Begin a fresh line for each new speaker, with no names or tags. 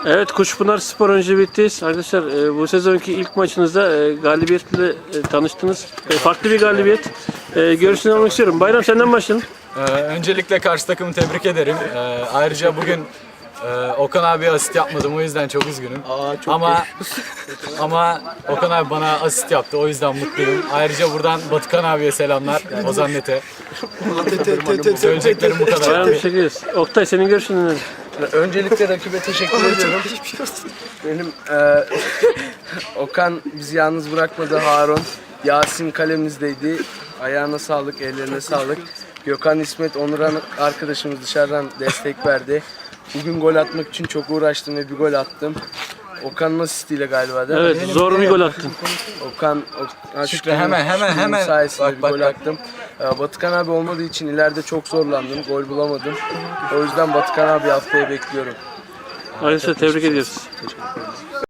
Evet, Kuşpınar Spor önce bittiyiz. Arkadaşlar bu sezonki ilk maçınızda galibiyetle tanıştınız. Farklı bir galibiyet. Görüşünü almak istiyorum. Bayram, senden başlayalım.
Öncelikle karşı takımı tebrik ederim. Ayrıca bugün Okan abi asist yapmadım, o yüzden çok üzgünüm. Ama Okan abi bana asist yaptı, o yüzden mutluyum. Ayrıca buradan Batıkan abiye selamlar, Ozan Nete. Söyleyeceklerim bu kadar.
Bayram, teşekkür ederiz. Oktay, senin görüşün nedir?
Öncelikle rakibe teşekkür ediyorum. Benim Okan bizi yalnız bırakmadı. Harun, Yasin kalemizdeydi. Ayağına sağlık, ellerine sağlık. Gökhan, İsmet, Onuran arkadaşımız dışarıdan destek verdi. Bugün gol atmak için çok uğraştım ve bir gol attım. Okan'ın asistiyle galiba değil mi?
Evet, zor bir gol attın.
Okan
Şükrü, hemen.
sayesinde bir
Bak.
gol attım. Batıkan abi olmadığı için ileride çok zorlandım. Gol bulamadım. O yüzden Batıkan abi haftaya bekliyorum.
Arkadaşlar, tebrik ediyoruz.